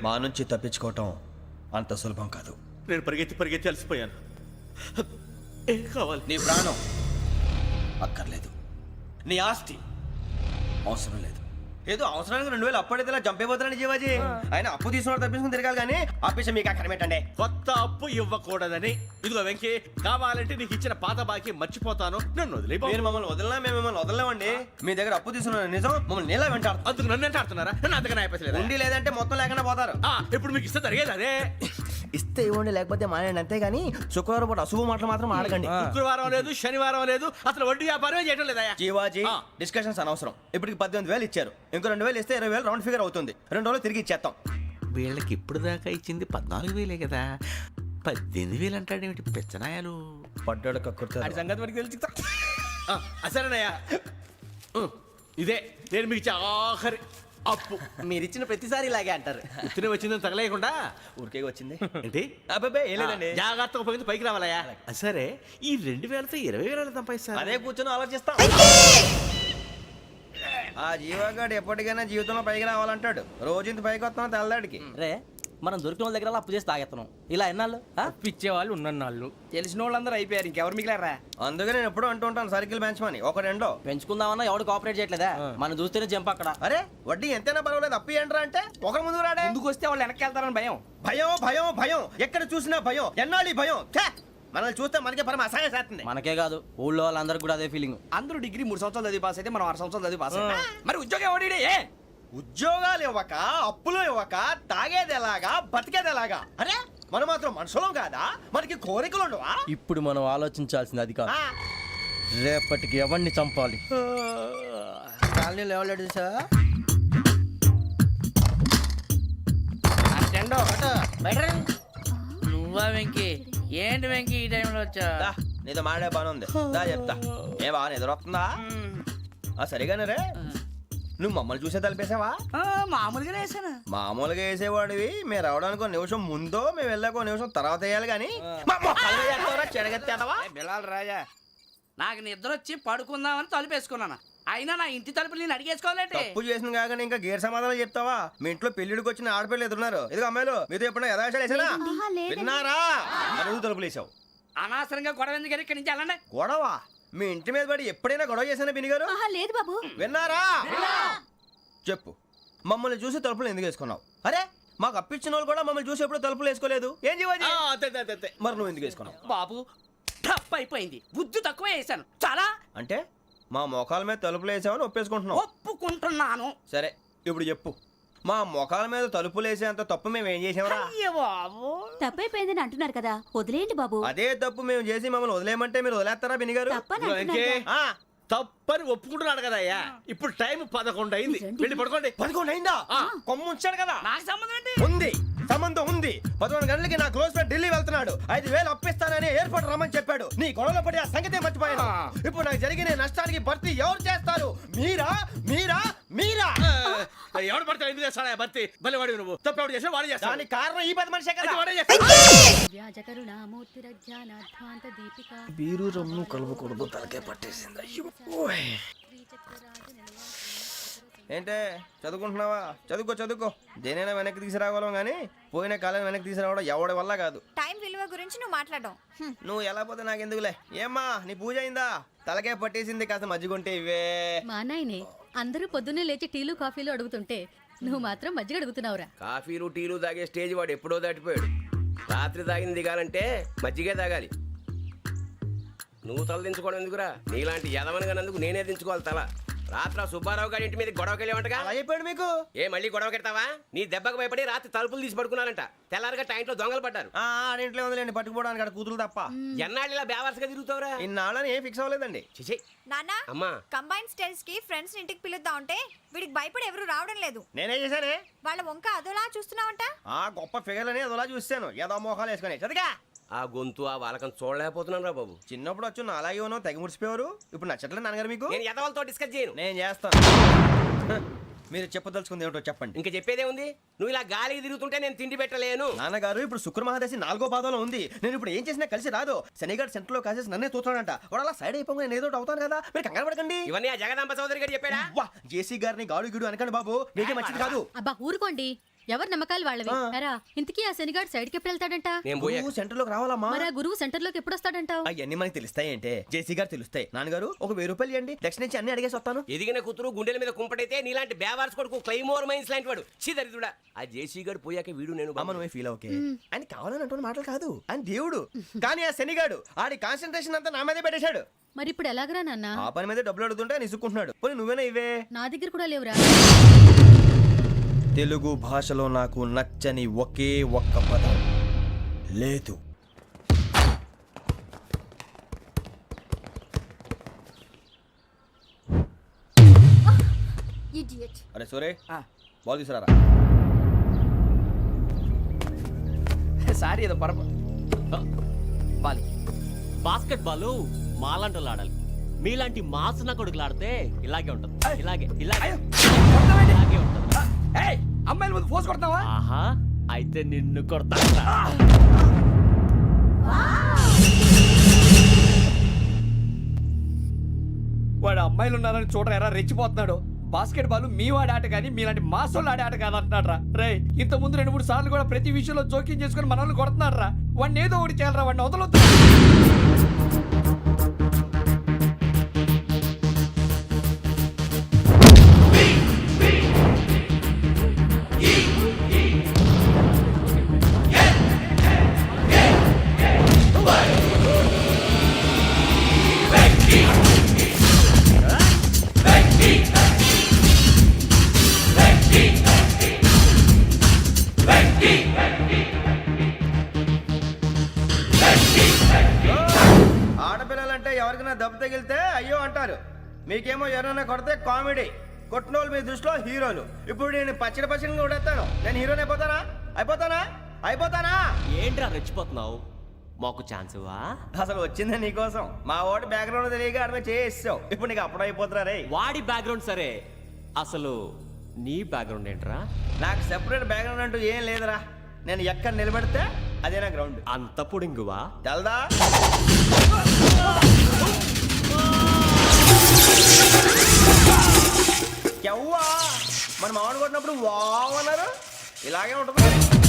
మా నుంచి తప్పించుకోవటం అంత సులభం కాదు. నేను పరిగెత్తి అలసిపోయాను. ఏం కావాలి? నీ ప్రాణం అక్కర్లేదు, నీ ఆస్తి అవసరం లేదు. ఏదో అవసరానికి 2000 అప్పుడైతే ఇలా చంపేపోతున్నాడు జీవాజీ. ఆయన అప్పు తీసుకున్నాడు తప్పించుకుని తిరగాలి కానీ ఆపేసి మీకు అక్కడ పెట్టండి. కొత్త అప్పు ఇవ్వకూడదని. ఇదిగో వెంకీ, కావాలంటే నీకు ఇచ్చిన పాత బాకీ మర్చిపోతాను, నన్ను వదిలే. మీరు మమ్మల్ని వదలనా? మేము మిమ్మల్ని వదలలేమండి. మీ దగ్గర అప్పు తీసుకున్న నిజం మమ్మల్ని నీలా వెంటాడుతుంది. అందుకు నన్ను ఎంత ఆడుతున్నారా? నన్ను అంతగా అయిపోలేదు. ఉండి లేదంటే మొత్తం లేకుండా పోతారు. ఇప్పుడు మీకు ఇస్తే జరిగేది అదే. ఇస్తే ఇవ్వండి, లేకపోతే మానేయండి, అంతేగాని శుక్రవారం పూట అశుభ మాటలు మాత్రం ఆడకండి. శుక్రవారం లేదు, శనివారం లేదు, అసలు వడ్డీ వ్యాపారమే చేయడం లేదా? జీవాజీ డిస్కషన్స్ అనవసరం. ఇప్పటికి 18,000 ఇచ్చారు, ఇంకో 2,000 ఇస్తే 20,000 రౌండ్ ఫిగర్ అవుతుంది. 2 రోజులు తిరిగి ఇచ్చేస్తాం. వీళ్ళకి ఇప్పుడు దాకా ఇచ్చింది 14,000 కదా, 18,000 అంటాడేమిటి పెచ్చనాయాలు? పడ్డాడు కక్కుర్తాడు. సంగతి మనకి తెలిసి సరేనయ్యా, ఇదే నేను మీకు ఇచ్చే ఆఖరి అప్పు. మీరు ఇచ్చిన ప్రతిసారి ఇలాగే అంటారు. ఇతనే వచ్చిందని తగలేయకుండా ఊరికే వచ్చింది ఏంటి? అబ్బాయి ఏం లేదండి. జాగ్రత్తగా ఉపయోగించి పైకి రావాలయ్యా. సరే, ఈ 2,000తో 20,000 సంపాదిస్తారు. అదే కూర్చొని ఆలోచిస్తాం. ఆ జీవగాడు ఎప్పటికైనా జీవితంలో పైకి రావాలంటాడు. రోజు ఇంత పైకి వస్తాం తెల్లడికి. రే, మనం దొరికిన వాళ్ళ దగ్గర అప్పు చేసి తాగెత్తనం. ఇలా ఎన్నాళ్ళు ఇచ్చేవాళ్ళు ఉన్నన్నాళ్ళు తెలిసిన వాళ్ళందరూ అయిపోయారు, ఇంకెవరు మిగిలారా? అందుకే నేను ఎప్పుడు అంటూ ఉంటాను సర్కిల్ బెంచ్ మని. ఒక రెండో పెంచుకుందామన్నా ఎవడు కోఆపరేట్ చేయట్లేదా? మనం చూస్తేనే జంప్ అక్కడ. అరే వడ్డీ ఎంతైనా పర్వాలేదు, అప్పు ఏంట్రా అంటే ఒక ముందు రాడే. ముందుకు వస్తే వాళ్ళు వెనక్కి వెళ్తారని భయం. భయం భయం భయం, ఎక్కడ చూసినా భయం. ఎన్నాళ్ళు భయం? మనల్ని చూస్తే మనకే పరమ అసహాయం చేస్తుంది. మనకే కాదు, ఊళ్ళో వాళ్ళందరికీ కూడా అదే ఫీలింగ్. అందరూ డిగ్రీ 3 సంవత్సరాలు చదివి పాస్ అయితే మనం 6 సంవత్సరాలు చదివి పాస్ అయ్యాం. మరి ఉద్యోగం ఎవడి? ఉద్యోగాలు ఇవ్వక, అప్పులు ఇవ్వక, తాగేది ఎలాగా, బతికేది ఎలాగా? అరే మనం మాత్రం మనుషులం కాదా? మనకి కోరికలు ఉండవా? ఇప్పుడు మనం ఆలోచించాల్సింది అది కాదు, రేపటికి ఎవరిని చంపాలి. కాలనీలో ఎవరు సార్? నువ్వా వెంకీ? ఏంటి వెంకీ ఈ టైంలో వచ్చా? నీతో మాడే పని ఉంది, దా చెప్తా. ఏ బాగా నిద్రొస్తుందా? సరిగానే రే, నువ్వు మమ్మల్ని చూసే తలిపేసావా? మామూలుగా వేసాను. మామూలుగా వేసేవాడివి. మేము రావడానికి 1 నిమిషం ముందో, మేము వెళ్ళాక 1 నిమిషం తర్వాత వేయాలి కానీ బిలాల్ రాజా, నాకు నిద్ర వచ్చి పడుకుందామని తలుపేసుకున్నాను. అయినా నా ఇంటి తలుపులు నేను అడిగేసుకోవాలంటే తప్పు చేసిన కాక ఇంకా గేర్ సమాధానం చెప్తావా? మీ ఇంట్లో పెళ్లిడికి వచ్చిన ఆడపిల్లలు ఎదురున్నారు. ఇదిగో అమ్మాయిలు, మీతో ఎప్పుడైనా యథాశాలు వేసానా? విన్నారా? అడుగు తలుపులు వేసావు. అనవసరంగా గొడవ ఎందుకు ఇక్కడి నుంచి వెళ్ళండి. గొడవ? మీ ఇంటి మీద పడి ఎప్పుడైనా గొడవ చేశానా బిని గారు? లేదు బాబు. విన్నారా? చెప్పు, మమ్మల్ని చూసి తలుపులు ఎందుకు వేసుకున్నావు? అరే మాకు అప్పించిన వాళ్ళు కూడా మమ్మల్ని చూసి ఎప్పుడు తలుపులు వేసుకోలేదు. ఏం జీవాజీ? మరి నువ్వు ఎందుకు వేసుకున్నావు? బాబు టప్ అయిపోయింది, బుద్ధి తక్కువ వేసాను చాలా. అంటే మా మోకాల మీద తలుపులు వేసామని ఒప్పేసుకుంటున్నావు? ఒప్పుకుంటున్నాను. సరే ఇప్పుడు చెప్పు, మా మొఖాల మీద తలుపులు వేసేంత తప్పు మేము ఏం చేసామరా? తప్పైపోయిందని అంటున్నారు కదా, వదిలేయండి బాబు. అదే తప్పు మేము చేసి మమ్మల్ని వదిలేయమంటే మీరు వదిలేస్తారా బిని గారు? తప్పని ఒప్పుకుంటున్నాడు కదా అయ్యా. ఇప్పుడు టైం 11 అయింది, వెళ్ళి పడుకోండి. 11 అయిందా? కొమ్ము ఉంచాడు కదా. నాకు సంబంధం ఏంటి? ఉంది, సంబంధం ఉంది. 11 గంటలకి నా క్లోజ్ ఫ్రెండ్ ఢిల్లీ వెళ్తున్నాడు. 5,000 అప్పిస్తానని ఎయిర్పోర్ట్ రమ్మని చెప్పాడు. నీ గొడవలో పడి ఆ సంగతే మర్చిపోయాను. ఇప్పుడు నాకు జరిగిన నష్టానికి భర్తీ ఎవరు చేస్తారు? మీరా మీరా మీరా? ఎవడు పడతాడు? ఎందుకు చేస్తాడా భర్తీ? భలే వాడి నువ్వు. తప్పు ఎవడు చేసినా వాడే చేస్తాడు. దానికి కారణం ఈ 10 మనిషే కదా. బీరు రమ్ము కలవకూడదు, తలకే పట్టేసింది. ఏంటే చదువుకుంటున్నావా? చదువుకో చదువుకో. దేనైనా వెనక్కి తీసుకురావాలం కానీ పోయిన కాలం వెనక్కి తీసుకురావడం ఎవడి వల్ల కాదు. టైం విలువ గురించి నువ్వు మాట్లాడడం. నువ్వు ఎలా పోతే నాకు ఎందుకులే. ఏమ్మా నీ పూజ అయిందా? తలకే పట్టేసింది, కాస్త మజ్జిగుంటే ఇవే. మా నాయనే అందరూ పొద్దున్నే లేచి టీలు కాఫీలు అడుగుతుంటే నువ్వు మాత్రం మజ్జిగ అడుగుతున్నావురా. కాఫీలు టీలు తాగే స్టేజ్ వాడు ఎప్పుడో దాటిపోయాడు. రాత్రి తాగింది దిగాలంటే మజ్జిగే తాగాలి. నువ్వు తల దించుకోవడం ఎందుకురా? నీలాంటి యదవనగానందుకు నేనే దించుకోవాలి తల. రాత్రి సుబ్బారావు గారి ఇంటి మీద గొడవకి వెళ్ళేవంటగా. అలా చెప్పాడు మీకు? ఏ మళ్ళీ గొడవ కెడతావా? నీ దెబ్బకు భయపడి రాత్రి తలుపులు తీసి పడుకున్నారంట. తెల్లారగా టైంట్లో దొంగలు పడ్డారు. ఆడింట్లో ఉందిలేండి, పట్టుకుపోవడానికి అక్కడ కూతురు తప్ప. ఎన్నాళ్ళు ఇలా బేవర్స్గా తిరుగుతావురా? ఇన్నాళ్ళని ఏం ఫిక్స్ అవ్వలేదండి. చిచి నాన్న, అమ్మా, కంబైన్ స్టైల్స్ కి ఫ్రెండ్స్ ఇంటికి పిలుద్దాం అంటే వీడికి భయపడి ఎవరు రావడం లేదు. నేనేం చేశానే? వాళ్ళ వంక అదోలా చూస్తున్నావంట. గొప్ప ఫిగర్లని అదోలా చూస్తాను. ఏదో మోహాలు వేసుకుని చదిగా. ఆ గొంతు ఆ వాలకం చూడలేకపోతున్నాను రా బాబు. చిన్నప్పుడు వచ్చి నా అలాగే ఉన్నావు, తెగ ముడిచిపోయారు. ఇప్పుడు నచ్చట్లేదు నాన్నగారు మీకు? నేను యదవలతో డిస్కస్ చేయను. నేను చేస్తాను. మీరు చెప్పదలుచుకుంది ఏమిటో చెప్పండి. ఇంకా చెప్పేదే ఉంది. నువ్వు ఇలా గాలికి తిరుగుతుంటే నేను తిండి పెట్టలేను. నాన్నగారు ఇప్పుడు శుక్ర మహాదశి 4వ పాదంలో ఉంది. నేను ఇప్పుడు ఏం చేసినా కలిసి రాదు. శనిగారు సెంటర్ లో కాసేసి నన్నే చూస్తాడంట. వాడు అలా సైడ్ అయిపోయి నేను ఏదో అవుతాను కదా, మీరు కంగారు పడకండి. ఇవన్నీ ఆ జగదాంబ చౌదరి గారు చెప్పాడా? జేసీ గారిని గాడు గిడు అనకండి బాబు, మీకే మంచిది కాదు. అబ్బా ఊరుకోండి, ఎవరి నమ్మకాలు వాళ్ళవి ఎరా ఇంతకీ ఆ శనిగాడు సైడ్ కి ఎప్పుడు వెళ్తాడంట? నేను పోయా సెంటర్ లోకి రావాలమ్మా. మరి ఆ గురువు సెంటర్ లోకి ఎప్పుడు వస్తాడంటావు? అవన్నీ మనకి తెలుస్తాయి అంటే జేసీ గారు తెలుస్తాయి. నాన్నగారు ఒక 1000 రూపాయలు ఇవ్వండి, దక్షిణ నుంచి అన్ని అడిగేసి వస్తాను. ఎదిగిన కూతురు గుండెల మీద కుంపటైతే నీలాంటి బేవార్స్ కొడుకు క్లైమోర్ మైన్స్ లాంటి వాడు చీదరిదుడా. ఆ జేసీ గారు పోయాక వీడు నేను అమ్మ నువ్వే ఫీల్ ఓకే. ఆయన కావాలని అంటున్న మాటలు కాదు, ఆయన దేవుడు. కానీ ఆ శనిగాడు ఆడి కాన్సన్ట్రేషన్ అంతా నా మీదే పెట్టేశాడు. మరి ఇప్పుడు ఎలాగరా నాన్న? ఆ పని మీద డబ్బులు అడుగుతుంటే ఆయన ఇసుక్కుంటున్నాడు. పోనీ నువ్వేనా ఇవే? నా దగ్గర కూడా లేవురా. తెలుగు భాషలో నాకు నచ్చని ఒకే ఒక్క పదం లేదు. అరే సూరే బాల్ తీసుకురారా. సారీ ఏదో పరప బాలి. బాస్కెట్ బాల్ మాలాంటి వాళ్ళు ఆడాలి. మీలాంటి మాసన కొడుకులు ఆడితే ఇలాగే ఉంటుంది. ఇలాగే ఇలాగే ఇలాగే ఉంటుంది. అమ్మాయిల ముందు ఫోర్స్ కొడతావా? ఆహా అయితే నిన్ను కొడతా. వాడు అమ్మాయిలు ఉన్నారని చూడరా ఎరా రెచ్చిపోతున్నాడు. బాస్కెట్ బాల్ మీ వాడి ఆట కానీ మీలాంటి మాసోళ్ళు ఆడే ఆట కాదు అంటున్నాడు రా. రే ఇంత ముందు 2-3 సార్లు కూడా ప్రతి విషయంలో జోక్యం చేసుకుని మన వాళ్ళు కొడుతున్నాడు రా. వాడిని ఏదో ఒకటి చేయాలరా, వాడిని వదలొద్దు. ఆడపిల్లలంటే ఎవరికైనా దెబ్బ తగిలితే అయ్యో అంటారు, మీకేమో ఎవరైనా కొడితే కామెడీ. కొట్టినోళ్ళు మీ దృష్టిలో హీరోలు. ఇప్పుడు నేను పచ్చడి కొడేస్తాను, నేను హీరోని అయిపోతానా? అయిపోతానా? ఏంట్రా రెచ్చిపోతున్నావు? మాకు ఛాన్స్ ఇవ్వా? అసలు వచ్చిందే నీకోసం. మా ఓటు బ్యాక్గ్రౌండ్ తెలియక అడిగి చేసావు. ఇప్పుడు నీకు అప్పుడు అయిపోతున్నా రే. వాడి బ్యాక్గ్రౌండ్ సరే, అసలు నీ బ్యాక్గ్రౌండ్ ఏంట్రా? నాకు సెపరేట్ బ్యాక్గ్రౌండ్ అంటూ ఏం లేదురా. నేను ఎక్కడ నిలబడితే అదే నా గ్రౌండ్. అంత పొడింగువా? తెల్దా? ఎవ్వా మన మామిడి కొట్టినప్పుడు వావ్ అన్నారు, ఇలాగే ఉంటుంది.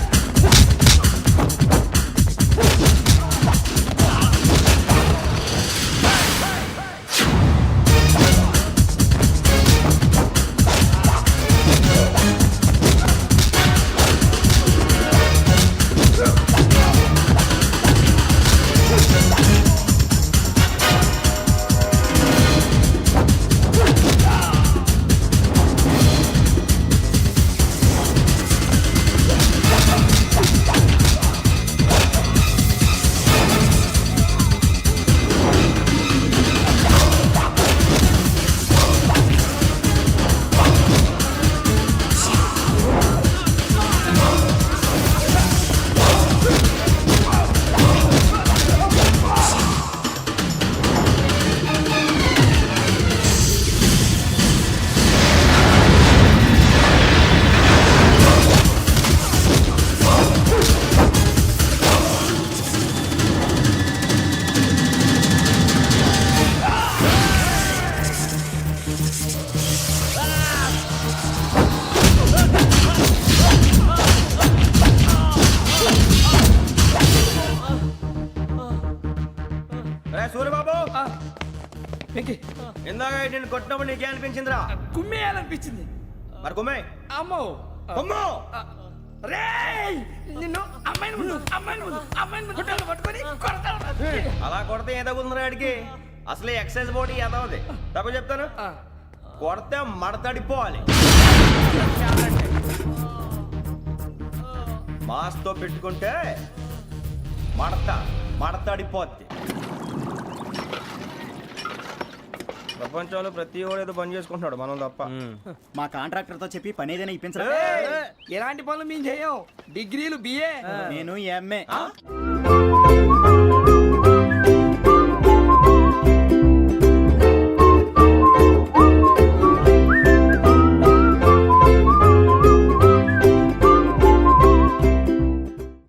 సూర్యబాబు ఇందాక నేను కొట్టినప్పుడు నీకే అనిపించిందిరా? కుమ్మేయాలనిపించింది. మరి కుమ్మే. అమ్మో కుమ్ము. రేయ్ నిన్ను అమ్మాయిని ముందు పట్టుకొని కొడతాను. అలా కొడితే ఏ తగ్గుతుందిరా ఆడికి? అసలు ఎక్సైజ్ బాడీ ఏదవుది తప్ప చెప్తాను. కొడితే మడతడిపోవాలి. మాస్తో పెట్టుకుంటే మడతడిపోద్ది. ప్రపంచంలో ప్రతి వాడు ఏదో పని చేసుకుంటున్నాడు, మనం తప్ప. మా కాంట్రాక్టర్ తో చెప్పి పని ఏదైనా ఇప్పించరా? ఎలాంటి పనులు మేము చేయం. డిగ్రీలు బిఏ, నేను ఎంఏ.